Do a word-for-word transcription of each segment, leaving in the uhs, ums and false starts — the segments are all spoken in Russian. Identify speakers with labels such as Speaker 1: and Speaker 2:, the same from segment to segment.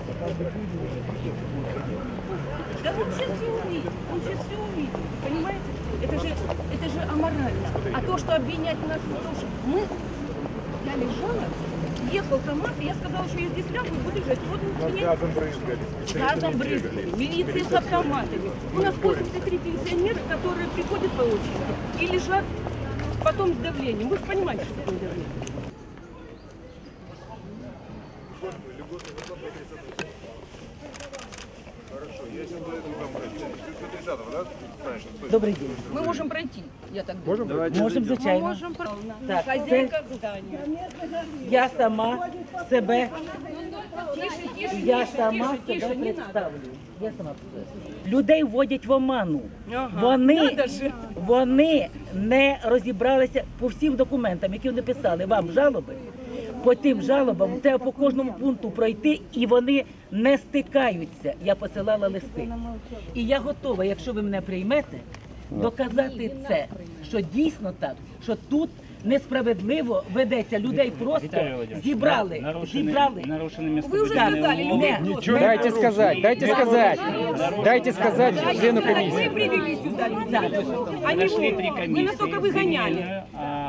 Speaker 1: Да он сейчас все увидит, он сейчас все увидит, понимаете? Это же, это же аморально. А то, что обвинять нас в том, что мы, я лежала, ехал КамАЗ, и я сказала, что я здесь лягу и буду лежать. Вот
Speaker 2: нас газом брызгали.
Speaker 1: Газом брызгали, милиция с автоматами. У нас восемьдесят три пенсионера, которые приходят по очереди и лежат потом с давлением. Вы же понимаете, что такое давление?
Speaker 2: Хорошо, я сейчас до этого там пройти. До тридцатого, да?
Speaker 3: Добрий день.
Speaker 1: Мы можем пройти, я так думаю.
Speaker 2: Можем?
Speaker 3: Можемо, звичайно.
Speaker 1: Можем пройти.
Speaker 3: Так,
Speaker 1: Хозяйка здания.
Speaker 3: Я сама себе,
Speaker 1: Тише, тише,
Speaker 3: я
Speaker 1: тише,
Speaker 3: сама
Speaker 1: тише,
Speaker 3: себе
Speaker 1: тише, не надо.
Speaker 3: представлю. Я сама представлю. Людей вводять в оману.
Speaker 1: Ага,
Speaker 3: Вони,
Speaker 1: надо же.
Speaker 3: вони не розібралися по всім документам, які вони писали вам жалоби. По тим жалобам треба по кожному пункту пройти, і вони не стикаються. Я посилала листи. І я готова, якщо ви мене приймете, доказати це, що дійсно так, що тут несправедливо ведеться. Людей просто зібрали, зібрали.
Speaker 1: Вы уже сказали, людей
Speaker 3: Не,
Speaker 1: просто.
Speaker 3: не,
Speaker 4: Дайте сказать, дайте сказать, дайте сказать члену
Speaker 1: Мы
Speaker 4: комиссии.
Speaker 1: привели сюда людей. Они вы настолько выгоняли.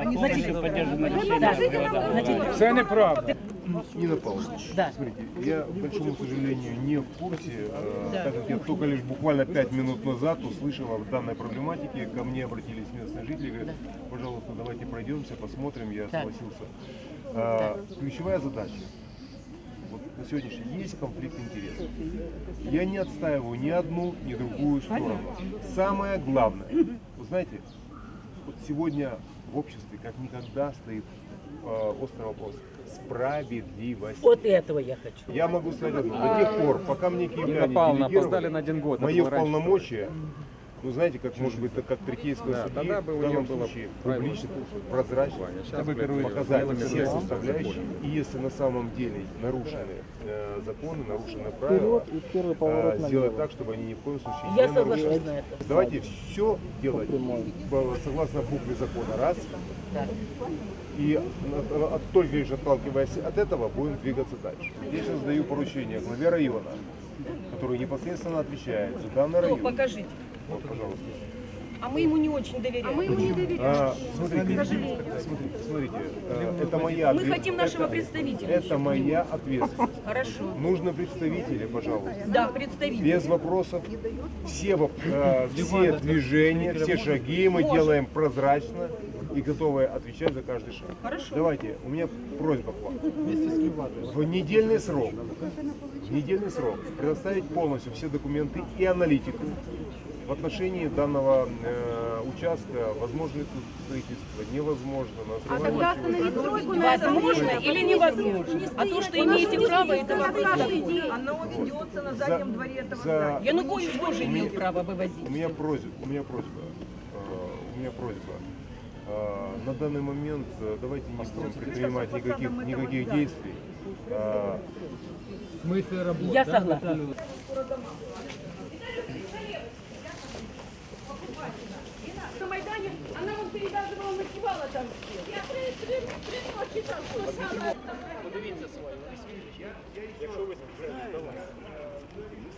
Speaker 4: Це неправда.
Speaker 2: Нина Павловна,
Speaker 3: Да.
Speaker 2: смотрите, я, к большому сожалению, не в курсе, э, так как я только лишь буквально пять минут назад услышал о данной проблематике, ко мне обратились местные жители, говорят, пожалуйста, давайте пройдемся, посмотрим, я согласился. Э, ключевая задача, вот на сегодняшний день есть конфликт интересов. Я не отстаиваю ни одну, ни другую сторону. Самое главное, вы знаете, вот сегодня в обществе как никогда стоит э, острый вопрос. Справедливость.
Speaker 3: Вот этого я хочу.
Speaker 2: Я могу сказать одно. До тех пор, пока мне киевляне
Speaker 4: Павловна,
Speaker 2: делегировали
Speaker 4: опоздали на один год.
Speaker 2: мои
Speaker 4: это было раньше.
Speaker 2: полномочия, ну знаете, как может быть, как третейского
Speaker 4: Да,
Speaker 2: судьи,
Speaker 4: тогда бы у
Speaker 2: в данном
Speaker 4: него было
Speaker 2: случае
Speaker 4: правильное
Speaker 2: публично, прозрачно,
Speaker 4: Сейчас,
Speaker 2: чтобы
Speaker 4: блядь,
Speaker 2: показать
Speaker 4: делами
Speaker 2: все
Speaker 4: власти
Speaker 2: составляющие. И если на самом деле нарушены э, законы, нарушены правила, э, сделать так, чтобы они ни в коем случае
Speaker 3: Я
Speaker 2: не
Speaker 3: соглашусь
Speaker 2: нарушались.
Speaker 3: на это.
Speaker 2: Давайте все делать э, согласно букве закона, раз. И от- от- только лишь отталкиваясь от этого, будем двигаться дальше. Я сейчас даю поручение главе района, который непосредственно отвечает за данный
Speaker 1: Ну,
Speaker 2: район.
Speaker 1: покажите.
Speaker 2: Вот, пожалуйста.
Speaker 1: А мы ему не очень доверяем. А мы ему не доверяем.
Speaker 2: А, смотрите, смотрите, смотрите, э, это моя
Speaker 1: Мы
Speaker 2: ответ-
Speaker 1: хотим нашего
Speaker 2: это-
Speaker 1: представителя.
Speaker 2: Это моя ответственность.
Speaker 1: Хорошо.
Speaker 2: Нужны представители, пожалуйста.
Speaker 1: Да, представитель.
Speaker 2: Без вопросов. Все, воп- э, все движения, все шаги мы
Speaker 1: Можем.
Speaker 2: делаем прозрачно и готовы отвечать за каждый шаг.
Speaker 1: Хорошо.
Speaker 2: Давайте, у меня просьба к вам. В недельный срок, в недельный срок предоставить полностью все документы и аналитику в отношении данного э, участка, возможно ли тут строительство, невозможно. На
Speaker 5: А тогда остановить стройку на этом
Speaker 1: Возможно или невозможно? А то, что имеете право, это вопрос такой.
Speaker 5: Оно ведется на заднем дворе этого
Speaker 2: за-
Speaker 5: здания.
Speaker 1: Янукович тоже имел право вывозить.
Speaker 2: У меня просьба, у меня просьба, э, у меня просьба. Э, на данный момент э, давайте не будем предпринимать никаких, никаких действий. Э,
Speaker 3: Я согласна.
Speaker 1: На Майдане она вам передавала, ночевала там. Я три, три, три ночи там. Подивіться свою. Якщо ви спеціально.